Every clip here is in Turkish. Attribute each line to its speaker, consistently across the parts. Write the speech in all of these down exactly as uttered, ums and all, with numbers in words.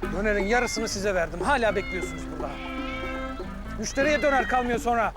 Speaker 1: Dönerin yarısını size verdim. Hala bekliyorsunuz burada. Müşteriye döner kalmıyor sonra.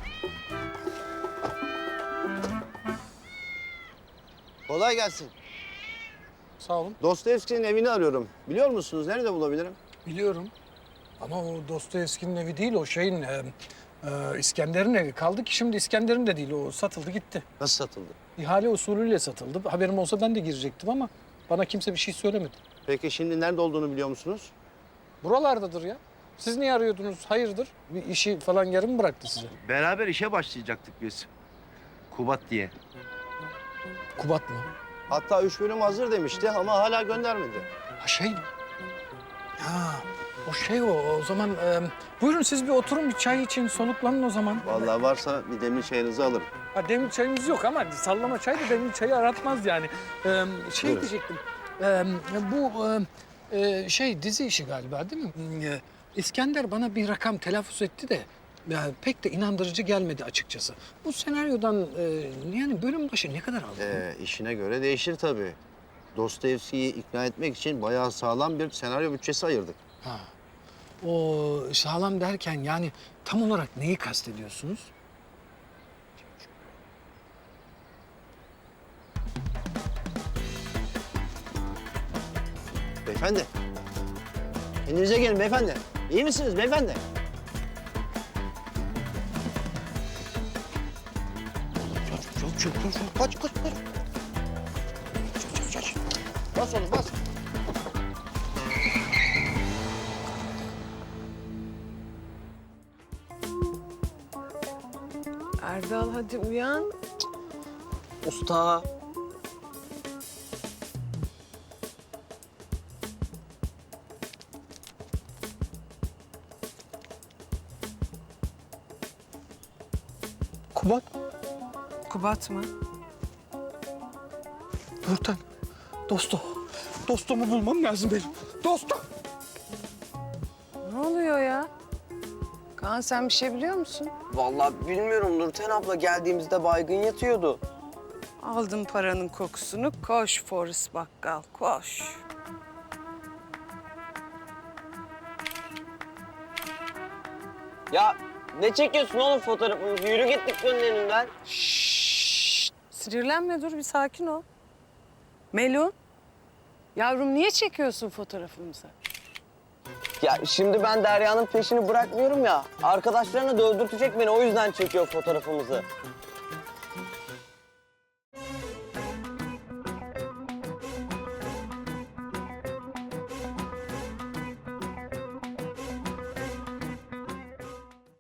Speaker 2: Kolay gelsin.
Speaker 1: Sağ olun.
Speaker 2: Dostoyevski'nin evini arıyorum. Biliyor musunuz? Nerede bulabilirim?
Speaker 1: Biliyorum. Ama o Dostoyevski'nin evi değil, o şeyin... E, e, İskender'in evi. Kaldı ki şimdi İskender'in de değil, o satıldı gitti.
Speaker 2: Nasıl satıldı?
Speaker 1: İhale usulüyle satıldı. Haberim olsa ben de girecektim ama bana kimse bir şey söylemedi.
Speaker 2: Peki şimdi nerede olduğunu biliyor musunuz?
Speaker 1: Buralardadır ya. Siz niye arıyordunuz? Hayırdır? Bir işi falan yarım bıraktı size.
Speaker 3: Beraber işe başlayacaktık biz. Kubat diye.
Speaker 1: Kubat mı?
Speaker 2: Hatta üç bölüm hazır demişti ama hala göndermedi.
Speaker 1: Ha şey mi? Ha, o şey o. O zaman e, buyurun siz bir oturun, bir çay için soluklanın o zaman.
Speaker 2: Vallahi varsa bir demir çayınızı alırım.
Speaker 1: Ha, demir çayımız yok ama sallama çay da demir çayı aratmaz yani. Ee, şey
Speaker 2: Buyurun.
Speaker 1: diyecektim. Ee, bu e, e, şey dizi işi galiba değil mi? Ee, İskender bana bir rakam telaffuz etti de ya, pek de inandırıcı gelmedi açıkçası. Bu senaryodan e, yani bölüm başı ne kadar aldın?
Speaker 2: Ee, işine göre değişir tabii. Dostoyevski'yi ikna etmek için bayağı sağlam bir senaryo bütçesi ayırdık.
Speaker 1: Ha. O sağlam derken yani tam olarak neyi kastediyorsunuz?
Speaker 2: Beyefendi. Kendinize gelin beyefendi. İyi misiniz beyefendi? Çok çok çok çok kaç kaç kaç. Kaç kaç kaç. Bas oğlum bas.
Speaker 4: Erdal hadi uyan.
Speaker 5: Usta.
Speaker 1: Kubat,
Speaker 4: Kubat mı?
Speaker 1: Nurten, dostu. Dostumu bulmam lazım benim. Dostum.
Speaker 4: Ne oluyor ya? Kaan sen bir şey biliyor musun?
Speaker 5: Vallahi bilmiyorum, Nurten abla geldiğimizde baygın yatıyordu.
Speaker 4: Aldım paranın kokusunu. Koş Forrest Bakkal, koş.
Speaker 5: Ya ne çekiyorsun oğlum fotoğrafımızı? Yürü git dükkanın önünden.
Speaker 4: Şşş! Sinirlenme, dur bir sakin ol. Melun, yavrum niye çekiyorsun fotoğrafımızı?
Speaker 5: Ya şimdi ben Derya'nın peşini bırakmıyorum ya. Arkadaşlarına da öldürtecek beni, o yüzden çekiyor fotoğrafımızı.